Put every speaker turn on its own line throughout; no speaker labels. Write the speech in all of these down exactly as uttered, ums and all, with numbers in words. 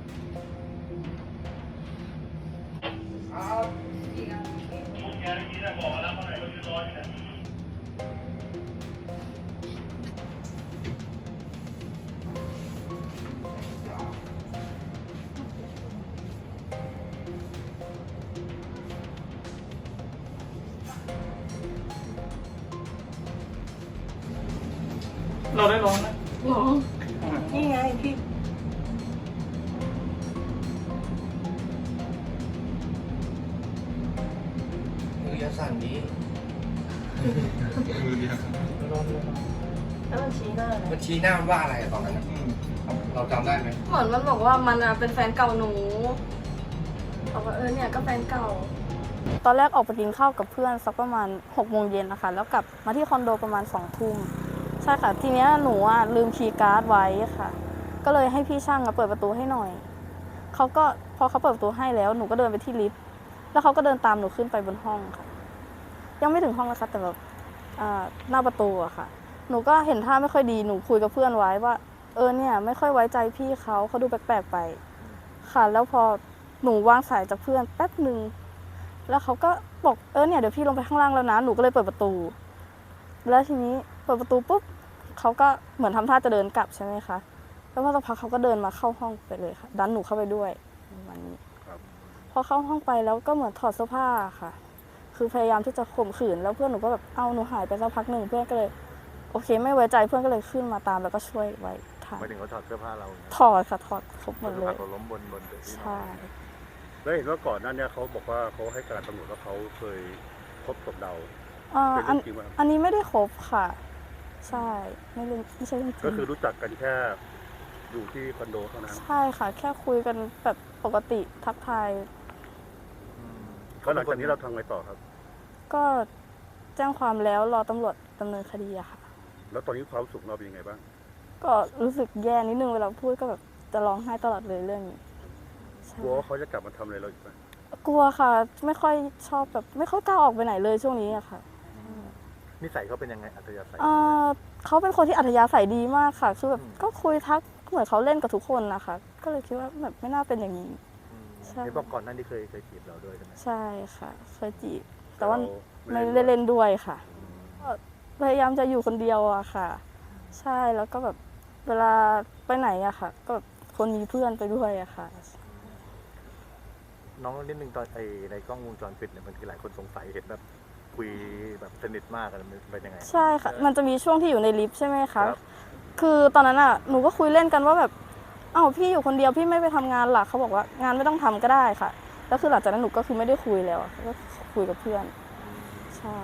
เราได้ร้องไหมร้องนี่ไงพี่
มือยาสั่นดี
มือเดียว
แล้วมันชี้หน้าอะไร
มันชี้หน้ามันว่าอะไรตอนนั้นเราจำได้ไหม
เหมือนมันบอกว่ามันเป็นแฟนเก่าหนูบอกว่าเออเนี่ยก็แฟนเก่าตอนแรกออกไปกินข้าวกับเพื่อนสักประมาณหกโมงเย็นนะคะแล้วกลับมาที่คอนโดประมาณสองทุ่มใช่ค่ะทีนี้หนูอ่ะลืมคีย์การ์ดไว้ค่ะก็เลยให้พี่ช่างเปิดประตูให้หน่อยเขาก็พอเขาเปิดประตูให้แล้วหนูก็เดินไปที่ลิฟต์แล้วเขาก็เดินตามหนูขึ้นไปบนห้องค่ะยังไม่ถึงห้องนะคะแต่แบบหน้าประตูอะค่ะหนูก็เห็นท่าไม่ค่อยดีหนูคุยกับเพื่อนไว้ว่าเออเนี่ยไม่ค่อยไว้ใจพี่เขาเขาดูแปลกๆไปค่ะแล้วพอหนูวางสายจากเพื่อนแป๊บนึงแล้วเขาก็บอกเออเนี่ยเดี๋ยวพี่ลงไปข้างล่างแล้วนะหนูก็เลยเปิดประตูแล้วทีนี้เปิดประตูปุ๊บเขาก็เหมือนทำท่าจะเดินกลับใช่ไหมคะแล้วพอสักพักเขาก็เดินมาเข้าห้องไปเลยค่ะดันหนูเข้าไปด้วยประมาณนี้พอเข้าห้องไปแล้วก็เหมือนถอดเสื้อผ้าค่ะคือพยายามที่จะข่มขืนแล้วเพื่อนหนูก็แบบเอาหนูหายไปสักพักหนึ่งเพื่อนก็เลยโอเคไม่ไว้ใจเพื่อนก็เลยขึ้นมาตามแล้วก็ช่วยไว้ทัน
หมายถึงเขาถอดเสื้อผ้าเรา
ถอดค่ะถอดครบหมดเลย
เราล้มบนบน
ใช่
แล้วเห็นว่าก่อนหน้านี้เขาบอกว่าเขาให้การตำรวจว่าเขาเคยคบกับเรา
อันอันนี้ไม่ได้คบค่ะใช่ไม่เรื่องไม่ใช่เรื่องจริง
ก็คือรู้จักกันแค่อยู่ที่คอนโดเท่านั้น
ใช่ค่ะแค่คุยกันแบบปกติทักทาย
ก็หลังจากนี้เราทำไงต่อครับ
ก็แจ้งความแล้วรอตำรวจดำเนินคดีอะค่ะ
แล้วตอนนี้ความสุขเราเป็นยังไงบ้าง
ก็รู้สึกแย่นิดนึงเวลาพูดก็แบบจะร้องไห้ตลอดเลยเรื่องนี้
กลัวว่าเขาจะกลับมาทำอะไรเราอีกไหม
กลัวค่ะไม่ค่อยชอบแบบไม่ค่อยกล้าออกไปไหนเลยช่วงนี้อะค่ะ
นิสัยเขาเป็นยังไงอัธยาศัย
เขาเป็นคนที่อัธยาศัยดีมากค่ะคือแบบก็คุยทักเหมือนเขาเล่นกับทุกคนนะคะก็เลยคิดว่าแบบไม่น่าเป็นอย่างนี้
ใช่บอกก่อนหน้านี้เคยเคยจีบเราด้วยใช่ไหม
ใช่ค่ะเคยจีบแต่ว่าไม่ได้เล่นด้วยค่ะพยายามจะอยู่คนเดียวอะค่ะใช่แล้วก็แบบเวลาไปไหนอะค่ะก็คนมีเพื่อนไปด้วยอะค่ะ
น้องนิดนึงตอนไอในกล้องวงจรปิดเนี่ยมันคือหลายคนสงสัยเห็นแบบคุยแบบสนิทมากกันเป็นยังไง
ใช่ค่ะมันจะมีช่วงที่อยู่ในลิฟต์ใช่ไหมคะคือตอนนั้นอะหนูก็คุยเล่นกันว่าแบบเอ้าพี่อยู่คนเดียวพี่ไม่ไปทำงานหรอเขาบอกว่างานไม่ต้องทำก็ได้ค่ะแล้วคือหลังจากนั้นหนูก็คือไม่ได้คุยแล้วก็คุยกับเพื่อนใช่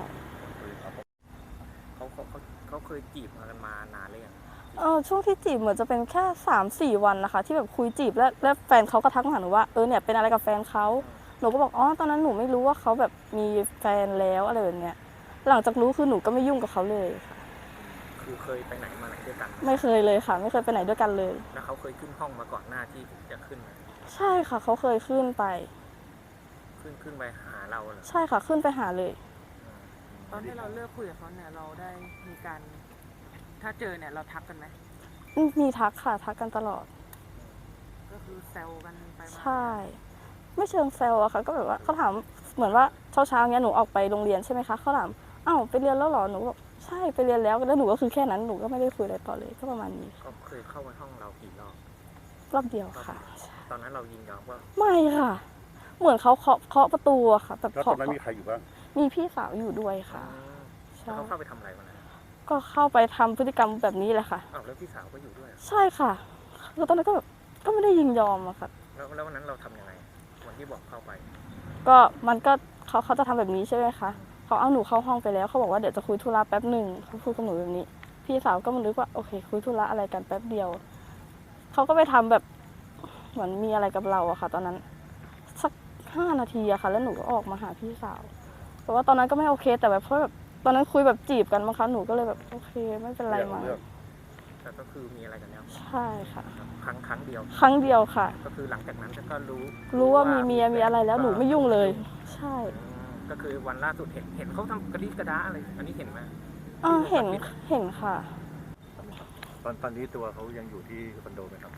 เขาเขาเขาเคยจีบกันมานานเลยอ่ะ
เออช่วงที่จีบเหมือนจะเป็นแค่สามสี่วันนะคะที่แบบคุยจีบแล้วแล้วแฟนเขาก็ทักมาหาหนูว่าเออเนี่ยเป็นอะไรกับแฟนเขาหนูก็บอกอ๋อตอนนั้นหนูไม่รู้ว่าเขาแบบมีแฟนแล้วอะไรแบบเนี้ยหลังจากรู้คือหนูก็ไม่ยุ่งกับเขาเลยค่ะ
คือเคยไปไหนมาไหนด้วยกัน
ไม่เคยเลยค่ะไม่เคยไปไหนด้วยกันเลย
แล้วเขาเคยขึ้นห้องมาก่อนหน้าที่จะขึ้น
ใช่ค่ะเขาเคยขึ้นไป
ขึ้นขึ้นไปหาเราเหรอ
ใช่ค่ะขึ้นไปหาเลย
ตอนที่เราเลิกคุยกับเขาเนี่ยเราได้มีการถ้าเจอเนี่ยเราทักกันไหม
มีทักค่ะทักกันตลอด
ก็คือแซวกันไปมา
ใช่ไม่เชิงแซวอะค่ะก็แบบว่าเขาถามเหมือนว่าเช้าเช้าเนี้ยหนูออกไปโรงเรียนใช่ไหมคะเขาถามอ้าวไปเรียนแล้วหรอหนูบอกใช่ไปเรียนแล้วแล้วหนูก็คือแค่นั้นหนูก็ไม่ได้คุยอะไรต่อเลยก็ประมาณนี้
เขาเคยเข้ามาห้องเรากี่รอบ
รอบเดียวค่ะ
ตอนนั้นเรายินยอมว่า
ไม่ค่ะเหมือนเขาเคาะเคาะประตูอะค่ะ
แบบเคาะตอนนั้นมีใครอยู่บ้าง
มีพี่สาวอยู่ด้วยค่ะ
เขาเข้าไปทำอะไรวันนั้น
ก็เข้าไปทำพฤติกรรมแบบนี้แหละค่ะ
อ้าวแล้วพี่สาวก็อยู่ด้วย
ใช่ค่ะแล้วตอนนั้นก็แบบก็ไม่ได้ยินยอมอะค่ะ
แล้วแล้ววันนั้นเราทำยังไงวันที่บอกเข้าไป
ก็มันก็เขาเขาจะทำแบบนี้ใช่ไหมคะเขาเอาหนูเข้าห้องไปแล้วเขาบอกว่าเดี๋ยวจะคุยธุระแป๊บหนึ่งเขาพูดกับหนูแบบนี้พี่สาวก็มันนึกว่าโอเคคุยธุระอะไรกันแป๊บเดียวเขาก็ไปทำแบบเหมือนมีอะไรกับเราอะค่ะตอนนั้นสักห้านาทีอะค่ะแล้วหนูก็ออกมาหาพี่สาวแต่ว่าตอนนั้นก็ไม่โอเคแต่แบบเพราะแบบตอนนั้นคุยแบบจีบกันมั้งคะหนูก็เลยแบบโอเคไม่เป็นไรมา
แต่ก็คือมีอะไรกันแล้ว
ใช่ค่ะ
ครั้งครั้งเดียว
ครั้งเดียวค่ะ
ก็คือหลังจากนั้นก็รู้
รู้ว่ามีเมียมีอะไรแล้วหนูไม่ยุ่งเลยใช่
ก็คือวันล่าสุดเห็นเห็นเขาทำกระดิกระดาอะไรอันนี้เห็นไหม
อ่าเห็นเห็นค่ะ
ตอนตอนนี้ตัวเขายังอยู่ที่คอนโดไหมครับ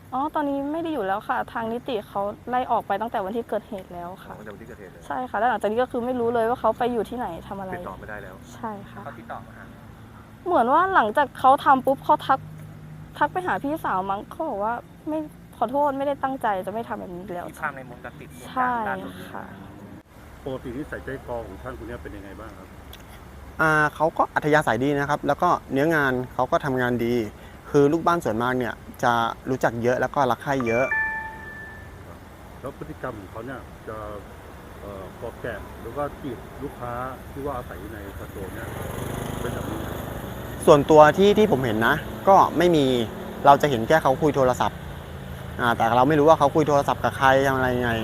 อ๋อตอนนี้ไม่ได้อยู่แล้วค่ะ ทางนิติเขาไล่ออกไปตั้งแต่วันที่เกิดเหตุแล้วค่ะ
ตั้งแต่วันที่เกิดเหตุเลย
ใช่ค่ะแล้วหลังจากนี้ก็คือไม่รู้เลยว่าเขาไปอยู่ที่ไหนทำอะไร
ติดต่อไม่ได้แล้ว
ใช่ค่ะ
เขาติดต่อมาหา
เหมือนว่าหลังจากเขาทำปุ๊บเขาทักทักไปหาพี่สาวมั้งเขาบอกว่าไม่ขอโทษไม่ได้ตั้งใจจะไม่ทำแบบนี้อีกแล้ว
มีภาพในวงจรปิดเหตุ
ใช่
การณ์ล่าสุด
ค่ะ
ปกตินิสัยใจคอของท่านคนนี้เป็นยังไงบ้างครับ
อ่าเขาก็อัธยาศัยดีนะครับ แล้วก็เนื้องานเขาก็ทำงานดี คือลูกบ้านส่วนมากเนี่ยจะรู้จักเยอะแล้วก็รักใคร่เยอะ
แล้วพฤติกรรมของเขาเนี่ยจะเอ่อพอแกะหรือว่าจีบลูกค้าที่ว่าอาศัยอยู่ในคอนโดเนี่ยเป็นแบบนี้ไหม
ส่วนตัวที่ที่ผมเห็นนะ ก็ไม่มีเราจะเห็นแค่เขาคุยโทรศัพท์อ่าแต่เราไม่รู้ว่าเขาคุยโทรศัพท์กับใครทำอะไรยังไง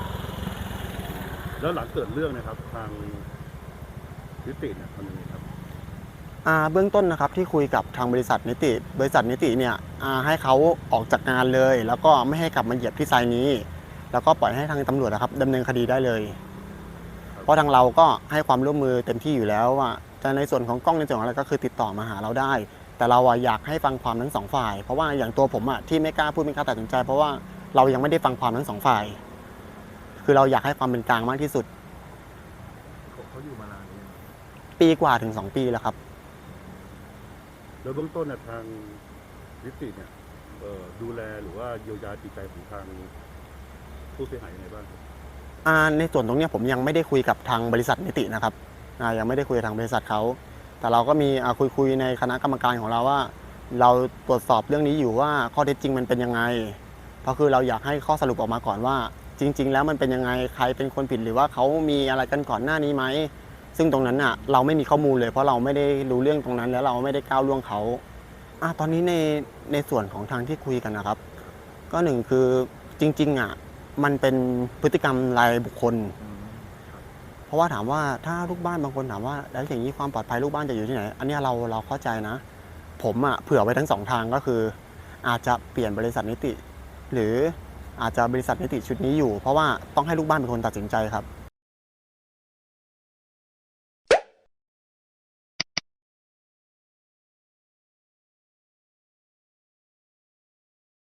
แล้วหลังเกิดเรื่องเนะครับทางนิติเนี่ยทำยังไงครับ
อ่าเบื้องต้นนะครับที่คุยกับทางบริษัทนิติ บริษัทนิติเนี่ยอ่าให้เขาออกจากงานเลย แล้วก็ไม่ให้กลับมาเหยียบที่ไซต์นี้ แล้วก็ปล่อยให้ทางตำรวจนะครับดำเนินคดีได้เลย เพราะทางเราก็ให้ความร่วมมือเต็มที่อยู่แล้วว่าแต่ในส่วนของกล้องในส่วนของอะไรก็คือติดต่อมาหาเราได้ แต่เราอะอยากให้ฟังความทั้งสองฝ่าย เพราะว่าอย่างตัวผมอะที่ไม่กล้าพูดไม่กล้าตัดสินใจ เพราะว่าเรายังไม่ได้ฟังความทั้งสองฝ่าย คือเราอยากให้ความเป็นกลางมากที่สุด
เขาเขาอยู่มานานนี้
ปีกว่าถึงสองปีแล้วครับ
แล้วเบื้องต้นเนี่ยทางนิติเนี่ยเอ่อดูแลหรือว่าเยียวยาจิตใจของทางผู้เสียหายยังไงบ้างครับ
อ่าในส่วนตรงเนี้ยผมยังไม่ได้คุยกับทางบริษัทนิตินะครับอ่ายังไม่ได้คุยกับทางบริษัทเขาแต่เราก็มีอ่าคุยคุยในคณะกรรมการของเราว่า เราตรวจสอบเรื่องนี้อยู่ว่าข้อเท็จจริงมันเป็นยังไงเพราะคือเราอยากให้ข้อสรุปออกมาก่อนว่า จริง ๆ แล้วมันเป็นยังไงใครเป็นคนผิดหรือว่าเขามีอะไรกันก่อนหน้านี้ไหมซึ่งตรงนั้นอ่ะเราไม่มีข้อมูลเลยเพราะเราไม่ได้รู้เรื่องตรงนั้นแล้วเราไม่ได้ก้าวล่วงเขาอ่าตอนนี้ในในส่วนของทางที่คุยกันนะครับ ก็หนึ่งคือจริงๆอ่ะมันเป็นพฤติกรรมรายบุคคล เพราะว่าถามว่าถ้าลูกบ้านบางคนถามว่าแล้วอย่างนี้ความปลอดภัยลูกบ้านจะอยู่ที่ไหน อันเนี้ยเราเราเข้าใจนะ ผมอ่ะเผื่อไว้ทั้งสองทางก็คือ อาจจะเปลี่ยนบริษัทนิติ หรืออาจจะบริษัทนิติชุดนี้อยู่ เพราะว่าต้องให้ลูกบ้านเป็นคนตัดสินใจครับ